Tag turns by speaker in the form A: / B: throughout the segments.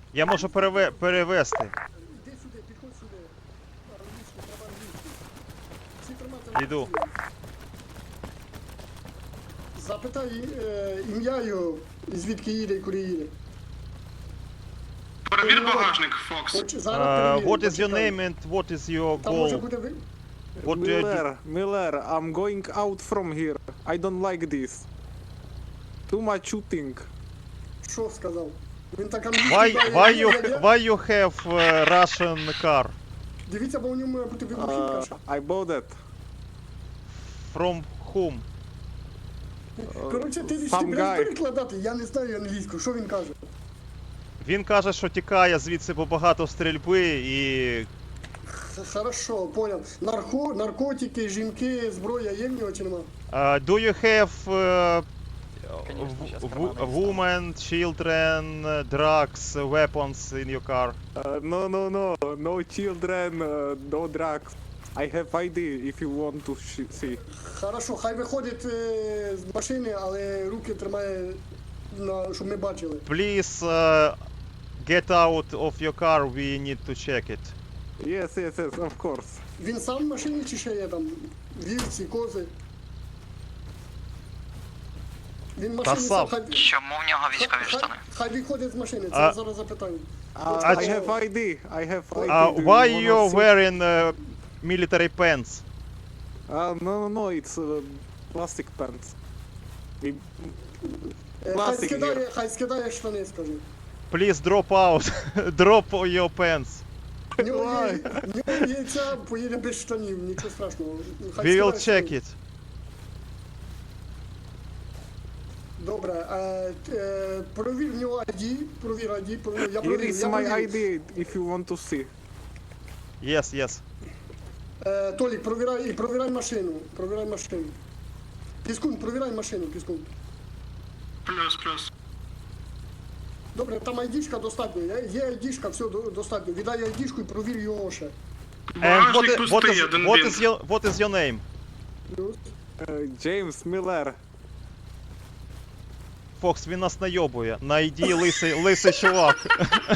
A: Я можу перевести.
B: Іди сюди, підходь сюди. Англійську, треба англійську. Всі тримати
A: Іду.
B: англійську. Запитай ім'я його, і звідки їде і куди їде.
C: Перевір багажник, Фокс.
B: Зараз перевірю,
A: What is your
B: почекай.
A: name and what is your
B: Там може
A: goal?
B: бути
A: What do you do?
D: Miller, I'm going out from here. I don't like this. Too much shooting.
B: Що сказав? Він так англійською
A: Why you have Russian car?
B: Дивіться, бо у ньому має бути вибухівка ще.
D: I bought that.
A: From whom?
B: Коротше, ти
D: Some
B: будеш
D: guy.
B: перекладати, я не знаю англійську, що він каже?
A: Він каже, що тікає звідси, бо багато стрільби і...
B: Хорошо, понял. Наркотики, жінки, зброя є в нього чи нема?
A: Do you have
E: Конечно, щас карманы
A: women, children, drugs, weapons in your car?
D: No children, no drugs. I have ID if you want to see.
B: Хорошо, хай виходить з машини, але руки тримає, щоб ми бачили.
A: Please get out of your car, we need to check it.
D: Yes, of course.
B: Він сам в машині чи ще є там вівці, кози? Він в машині
A: сам.
B: хай...
E: Чому в нього військові штани?
B: Хай виходить з машини, це
A: А-
B: я зараз запитаю.
D: I have ID. I have ID. Do you
A: Why
D: wanna
A: you're
D: see?
A: wearing military pants?
D: No, it's plastic pants.
B: Хай
D: Класик
B: скидає, хай скидає штани, скажи.
A: Please drop out. Drop your pants.
B: В нього є ця, поїде без штанів, нічого страшного. Хай
A: We will
B: скидає
A: check
B: штани.
A: it.
B: Добре, провір в нього ID, провір. Я
D: Here
B: провірив,
D: is
B: я
D: my
B: провірив.
D: ID if you want to see.
A: Yes.
B: Толік, провіряй машину, Піскун, провіряй машину, Піскун.
C: Плюс.
B: Добре, там айдішка достатньо, є айдішка, все достатньо. Віддай айдішку і провір його ще.
A: And
C: Багажник пустий, один бінт.
A: what is your name?
B: Плюс.
D: James Miller.
A: Фокс, він нас найобує. На ID лисий чувак.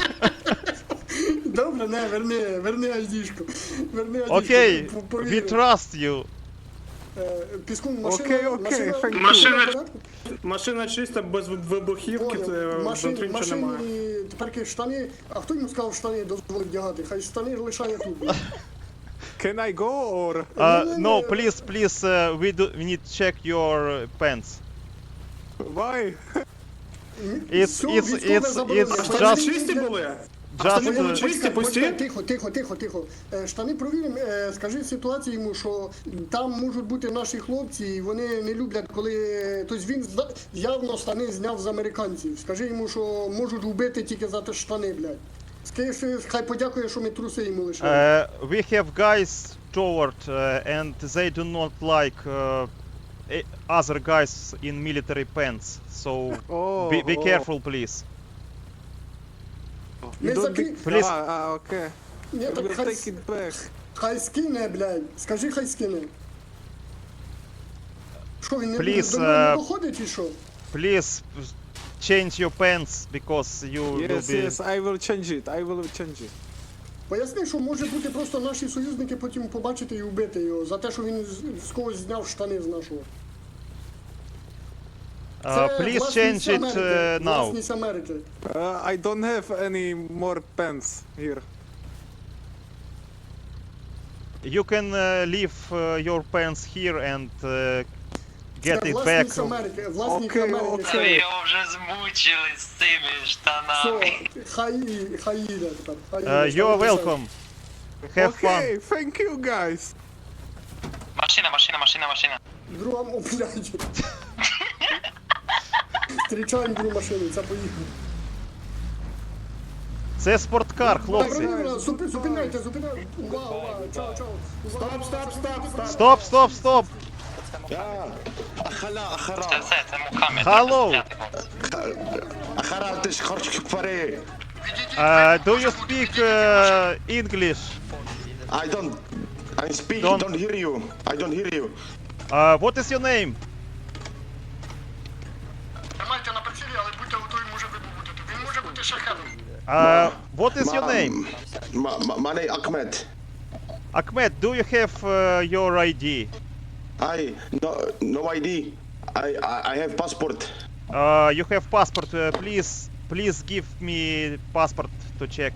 B: Добре, не, верни айдішку.
A: Окей,
B: провір.
A: we trust you.
B: Піскун, машина,
D: Окей,
B: машина,
D: thank you.
C: Машина-
B: в порядку?
F: Машина чиста, без вибухівки,
B: Поняв.
F: це внутрі нічого немає.
B: Машині, тепер штани, а хто йому сказав штани дозволить вдягати? Хай штани лишає тут.
D: Can I go or?
A: No, please, we need to check your pants.
D: Why?
A: It's
C: Штани чисті були? Штани були
A: just
C: чисті, пусті?
B: Тихо. Штани провіримо. Скажи ситуацію йому, що там можуть бути наші хлопці, і вони не люблять, коли. Тобто він явно штани зняв з американців. Скажи йому, що можуть вбити тільки за те штани, блядь. Скажи, хай подякує, що ми труси йому лишили.
A: we have guys toward and they do not like other guys in military pants. So be careful, please.
B: Ми
D: Don't
B: закрі...
D: be...
A: Please.
D: Okay.
B: Ні,
D: I
B: так
D: will
B: хай,
D: take it back.
B: хай скине, блядь. Скажи, хай скине. Що, він
A: Please,
B: до нього не доходить чи що?
A: Please change your pants because you will
D: Yes,
A: be.
D: I will change it.
B: Поясни, що може бути просто наші союзники потім побачити і вбити його за те, що він з когось зняв штани з нашого.
A: Please
B: власність
A: change it
B: Америки,
A: now.
B: Власність Америки.
D: I don't have any more pants here.
A: You can leave your pants here and get
B: Це
A: it
B: власність
A: back.
B: Америки. Власність
D: Окей,
B: Америки.
D: окей.
E: Ви його вже змучили з цими штанами.
B: Все, хай їде тепер. Хай їде.
A: You're welcome. Have fun.
D: Okay, thank you guys.
E: Машина.
B: Друга, о, блядь. Зустрічаємо другу машину, це поїхав.
A: Це спорткар, хлопці.
B: Зупиняйте. Увага, чао.
A: Стоп.
E: Це Мухаммед.
A: Hello.
G: خرجتش خرجت كفاري.
A: Do you speak English?
G: I speak,
A: Don't-
G: don't hear you. I don't hear you.
A: What is your name?
B: Тримайте на прицілі, але будьте готові, може вибухнути. Він може бути шахедом.
A: What is your name?
G: My name Ahmed.
A: Ahmed, do you have your ID?
G: No ID. I have passport.
A: You have passport. Please give me passport to check.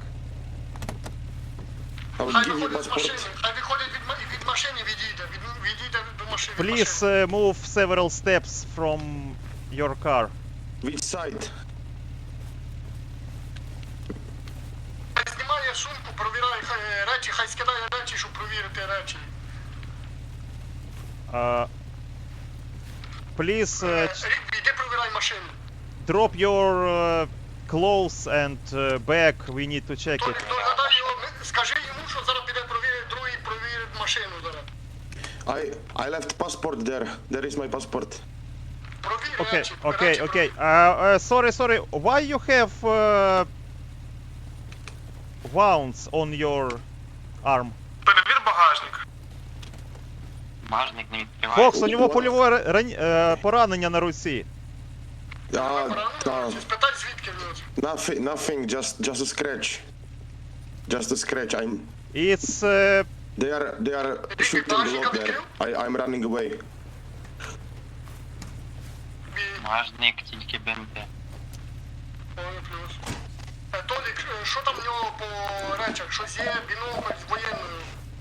G: I will
B: Хай
G: give you
B: виходить з машини,
G: passport.
B: хай виходить від машини, відійде до машини. від
A: Please
B: машини.
A: move several steps from your car.
G: Which side?
B: Хай знімає сумку, провіряє речі, хай скидає речі, щоб провірити речі.
A: Please
B: Рік, іди провіряй машину.
A: drop your clothes and bag. We need to check it.
B: Догадай його, скажи йому, що зараз піде провірить машину зараз.
G: I left passport there. There is my passport.
B: Провір
A: Okay,
B: речі.
A: okay,
B: речі
A: okay.
B: провір.
A: Sorry. Why you have wounds on your arm?
C: Перевір багажник.
E: Багажник не відкриває.
A: Фокс, у нього польове поранення на руці.
B: Спитай, звідки в нього.
G: Nothing. Just a scratch. Just a scratch.
A: It's
G: They are shooting the lock there. I'm running away.
E: Багажник тільки БМП.
B: Ой, плюс. Толік, що там в нього по речах? Щось є, бінокль з воєнною.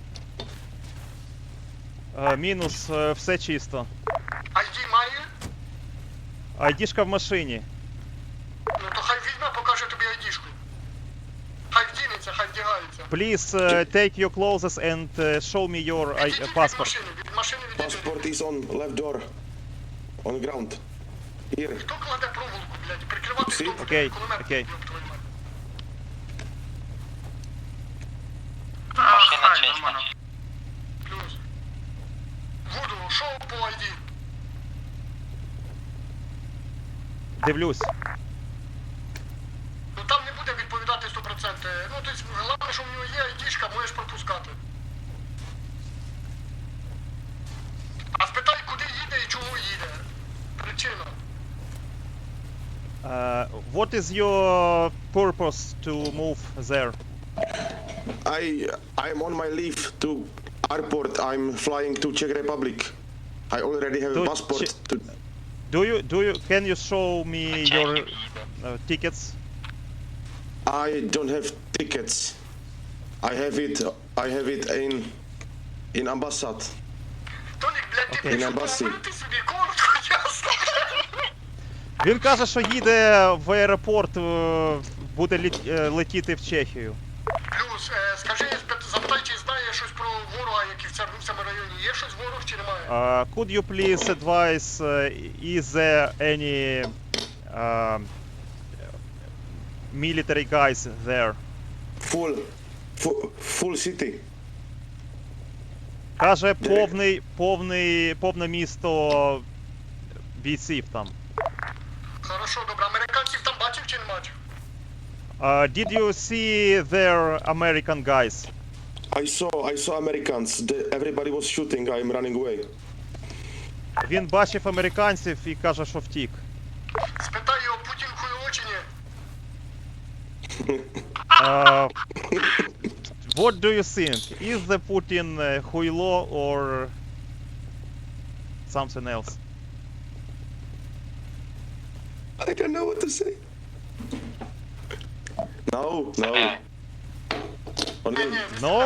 A: мінус, все чисто.
B: ID має?
A: Айдішка в машині.
B: Ну то хай візьме, покаже тобі ID-шку. Хай вдінеться, хай вдягається.
A: Please take your clothes and show me your
B: Відійдіть від
A: passport.
B: машини, від машини відійдіть.
G: Passport is on left door. On ground. Here.
B: Хто кладе проволоку, блядь, прикривати
G: Всі?
B: хто буде?
A: Окей,
B: Кулемет,
A: окей.
B: ёб твою мать.
E: Машина
C: Хай,
E: чиста.
C: нормально.
B: Плюс. Вуду, що по ID?
A: Дивлюсь.
B: Ну там не буде відповідати 100%. Ну, тобто, головне, що в нього є ID-шка, можеш пропускати. А спитай, куди їде і чого їде. Причина.
A: What is your purpose to move there?
G: I'm on my leave to airport. I'm flying to Czech Republic. I already have a
A: To
G: passport.
A: Can you show me your
E: Чехів їде.
A: tickets?
G: I don't have tickets. I have it in ambassad.
B: Толік, блядь, ти
A: Окей.
B: прийшов
G: На басі.
B: поговорити собі коротко, ясно.
A: Він каже, що їде в аеропорт, буде летіти в Чехію.
B: Плюс, скажи, запитай, чи знає щось про ворога, який в цьому районі. Є щось ворог чи немає?
A: Could you please advise, is there any military guys there?
G: Full city.
A: Каже, повне місто бійців там.
B: Хорошо, добре. Американців там бачив чи не бачив?
A: Did you see their American guys?
G: I saw Americans. Everybody was shooting. I'm running away.
A: Він бачив американців і каже, що втік.
B: Спитай його, Путін хуйло чи ні?
A: What do you think? Is the Putin хуйло or something else?
G: I don't know what to say. No. Only
A: No?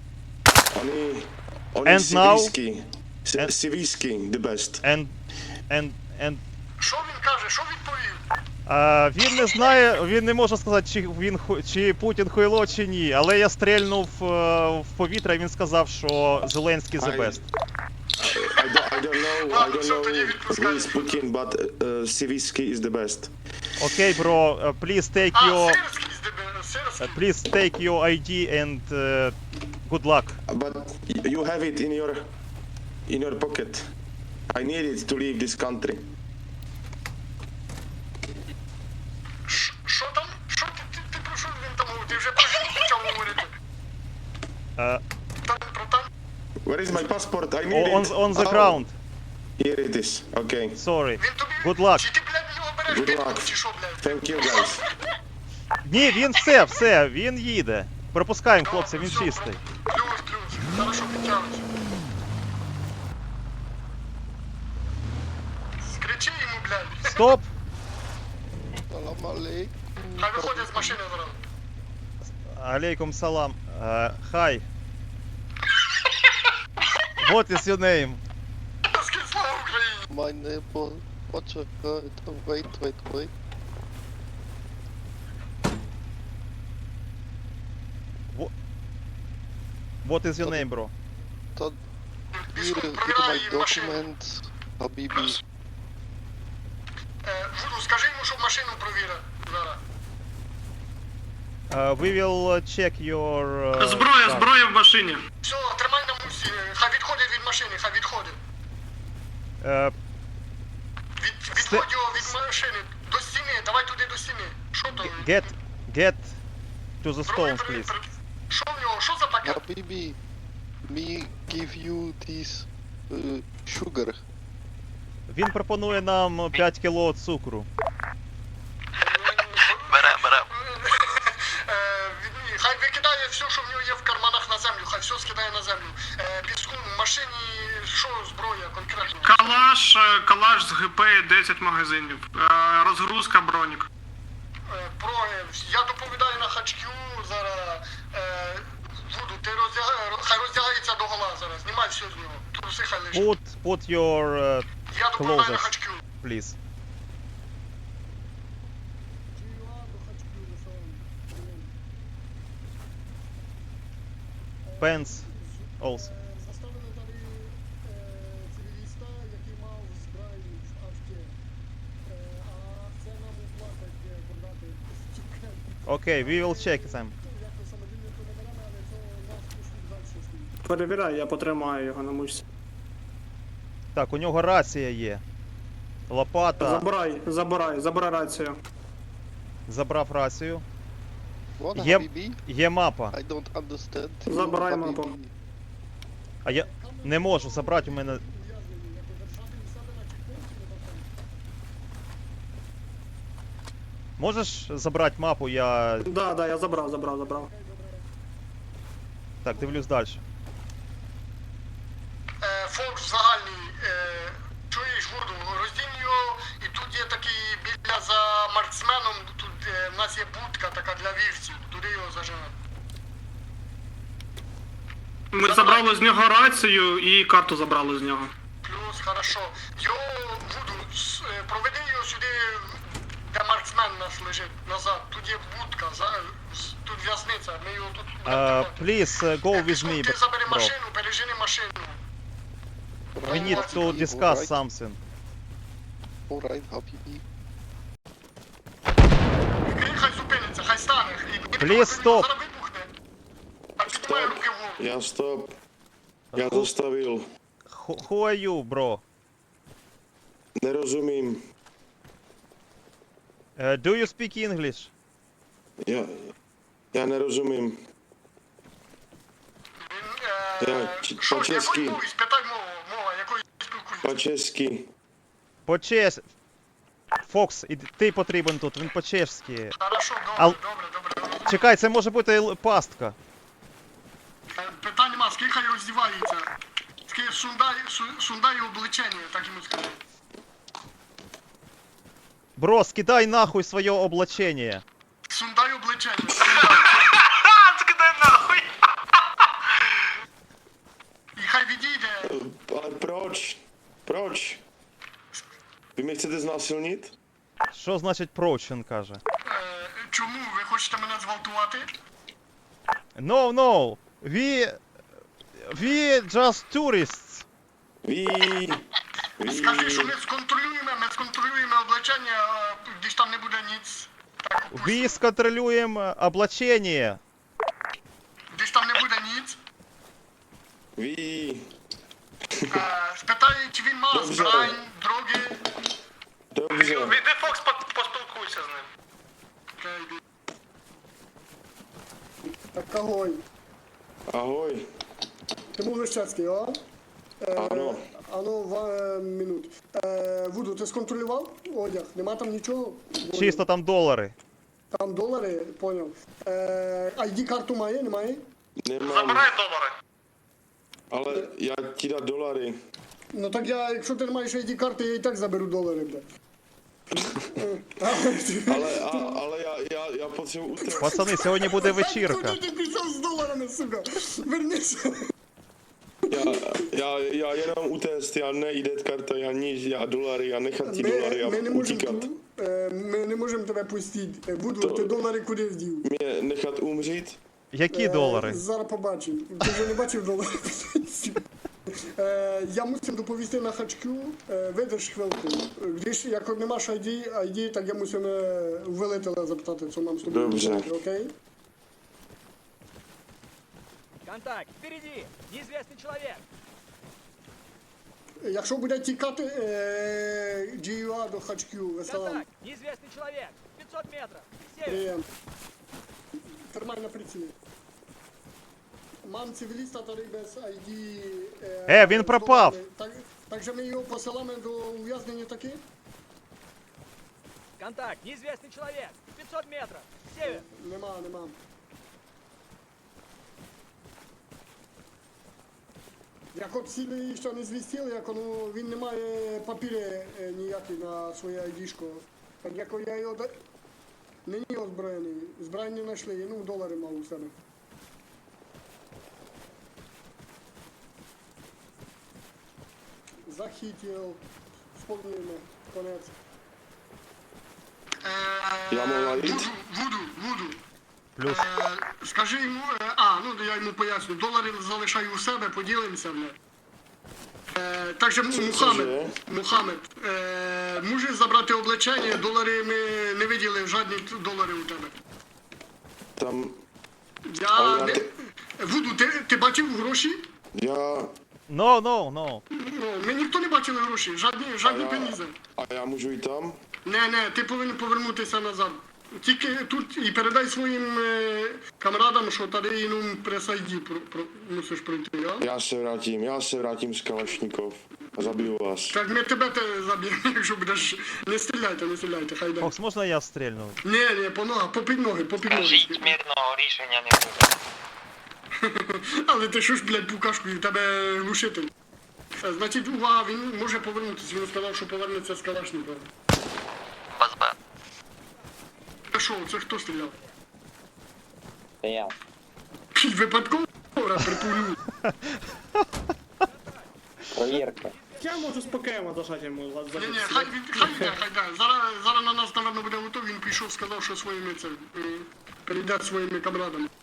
G: only
A: And now?
G: Sivisky.
A: And-
G: Sivisky, the best.
A: And
B: Що він каже, що відповів?
A: він не знає, він не може сказати, чи Путін хуйло, чи ні. Але я стрельнув в повітря, і він сказав, що Зеленський the best.
G: I don't know who is Putin, but Sivisky is the best.
A: Окей, бро, please take
B: Сирський,
A: your ID and good luck.
G: But you have it in your pocket. I need it to leave this country.
B: Що там? Що ти про що він там говорив? Ти вже про що почав говорити? Там про там?
G: Where is my passport? I need it.
A: On the
G: Oh,
A: ground.
G: Here it is. Okay.
A: Sorry.
B: Він тобі...
A: Good luck.
B: Чи ти, блядь, в нього береш
G: Good
B: підкуп,
G: luck.
B: чи що, блядь?
G: Thank you, guys.
A: Ні, він все, він їде. Пропускаємо, хлопці, він чистий.
B: Плюс, хорошо, підтягуйся. Скричи йому, блядь.
A: Стоп!
B: Хай виходить з машини зараз.
A: Алейкум салам. Hi. What is your name?
B: Скинь слава Україні.
H: My neighbor, почекайте, wait.
A: What is your name, bro?
B: Військовий,
H: Here
B: провіряй
H: my
B: її машину.
H: document, Habibi.
B: Вуду, скажи йому, щоб машину провірив зараз.
A: We will check your...
F: Зброя,
A: car.
F: зброя в машині.
B: Все, тримай на мусі, хай відходить від машини, хай відходить. Відводь його від машини, до стіни, давай туди до стіни. Що то?
A: Get to the
B: Зброю
A: stones, please.
B: Що в нього, що за пакет?
H: Habibi, me give you this sugar.
A: Він пропонує нам 5 кіло цукру.
E: Бере.
B: Хай викидає все, що в нього є в карманах на землю, хай все скидає на землю. Піску, в машині, що зброя конкретно?
F: Калаш з ГП 10 магазинів. Розгрузка бронік.
B: Я доповідаю на хачкю зараз. Вуду, ти хай роздягається до гола зараз, знімай все з нього. Труси хай лише.
A: Put your
B: Я доповідаю на
A: clothes,
B: хачкю.
A: please. Pants also.
B: Заставили далі цивіліста, який мав зброю в авті. А це нам оплатить продати стільки.
A: Okay, we will check them.
B: Якось самовільно то не беремо, але це нас пішлють далі стоїть.
F: Перевіряй, я потримаю його на мушці.
A: Так, у нього рація є. Лопата.
F: Забирай рацію.
A: Забрав рацію.
H: What,
A: Є,
H: Habibi?
A: є мапа.
H: I don't understand.
F: Забирай
H: Habibi.
F: мапу.
A: А я не можу забрати у мене. Можеш забрати мапу, я.
F: Да, я забрав.
A: Так, дивлюсь далі.
B: Фокс загальний, чуєш, Вурду, роздінь його, і тут є такий біля за марксменом, тут в нас є будка така для вівців, туди його заживемо.
F: Ми забрали з нього рацію і карту забрали з нього.
B: Плюс, хорошо. Його, Вуду, проведи його сюди, де марксмен у нас лежить, назад. Тут є будка, тут в'язниця, ми його тут будемо тримати.
A: Please go with me,
B: Ти забери
A: bro.
B: машину, пережини машину.
A: We need to discuss something.
H: Alright, Habibi.
B: Крім хай зупиниться, хай стане.
A: Please stop.
B: Зараз вибухне. А піднімай руки вгору.
G: Я стоп. Я заставил.
A: Who are you, bro?
G: Не розумім.
A: Do you speak English?
G: Я не розумім.
B: Що,
G: По-чеськи.
B: якою мовою? Спитай мова, якою спілкуєшся.
G: По-чеськи.
A: По-чеш... Фокс, і ти потрібен тут, він по-чешськи.
B: Хорошо,
A: Ал-
B: добре.
A: Чекай, це може бути пастка.
B: Питань нема, скільки хай роздівається. Скільки сундай обличення, так йому скажи.
A: Бро, скидай нахуй своє облачення.
B: Сундай обличення.
E: Скидай нахуй.
B: І хай відійде.
G: Але проч? Проч? Ви мене chcete зnásilnit?
A: Що значить проч, він каже?
B: Чому? Ви хочете мене зґвалтувати?
A: No. We just tourists.
B: Скажи, що ми сконтролюємо обличення, десь там не буде ніц. Так,
A: We сконтролюємо облачення.
B: десь там не буде ніц.
G: Ви...
B: Спитай, чи він мав
G: Добре.
B: збрань, дроги.
G: Добре.
E: Іди, Фокс, поспілкуйся з ним.
B: Так, огонь.
G: Агой.
B: Ти був Лещецький, а?
G: Ано.
B: Минут. Вуду, ти сконтролював одяг? Нема там нічого?
A: Чисто там долари.
B: Там долари, поняв. ID-карту має, немає?
G: Nemám,
F: Забирай долари.
G: ale já ti dám dolary.
B: Ну так я, якщо ти не маєш ID-карти, я і так заберу долари, блядь.
G: Ale já potřebuji utéct.
A: Пацани, сьогодні буде вечірка.
B: Куди ти пішов з доларами, сука? Вернися.
G: Já jenom utéct, já ne ID karta, já nic, já dolary, já nechat ti dolary a
B: Ми не можемо
G: utíkat.
B: ми не можемо тебе пустити. Буду, ти долари куди вдів?
G: Mě nechat umřít?
A: Які долари?
B: Зараз побачимо. Ти вже не бачив долари? Я мусив доповісти на хачку, видиш хвилку. Гріш, як не маєш ID, так я мусив велителя запитати, що нам з тобою
G: Добре.
B: робити, окей?
I: Контакт, впереди! Неизвестный человек!
B: Якщо буде тікати GUA до хачку, веселам.
I: Контакт, неизвестный человек! 500 метров! Север!
B: Приєм. Тримай на прицілі. Мам цивіліста та без ID.
A: Він пропав!
B: Так же ми його посилаємо до ув'язнення таки?
I: Контакт, неизвестный человек! 500 метров! Север!
B: Нема. Як от сіли ще не звістили, як він не має папіри ніякі на своє ID-шко. Так як я його нині озброєний. Збройні не знайшли, ну долари мав у себе. Захитів, сповнюємо, конець.
G: Já mohu najít?
B: Вуду.
A: Плюс.
B: Скажи йому, ну я йому поясню, долари залишаю у себе, поділимося, бля. Так же Мухаммед, можеш забрати облачення, долари ми не виділи, жодні долари у тебе.
G: Там
B: Вуду, ти бачив гроші?
G: já...
A: No.
B: Ми ніхто не бачили гроші, жодні пенізи.
G: A já můžu jít tam?
B: Не, ти повинен повернутися назад. Тільки тут і передай своїм камрадам, що тоді ну, прес-ID мусиш пройти, а?
G: Já se vrátím z Kalašnikov a zabiju vás.
B: Так ми тебе заб'ємо, якщо будеш... Не стріляйте, хай йде.
A: Фокс, можна я стрільну?
B: Ні, по ногах, попід ноги.
E: Жить мирного рішення не буде.
B: Але ти що ж, блядь, пукашкою, в тебе глушитель. Значить, увага, він може повернутися, він сказав, що повернеться з Калашникова.
E: Базбе.
B: Це хто стріляв?
E: Це я.
B: Випадково, припулю.
E: Провірка.
C: Я можу спокійно зажати йому за
B: Ні, хай йде. Зараз на нас, напевно, буде готовий, він пішов, сказав, що своїми це, перейде своїми камрадами.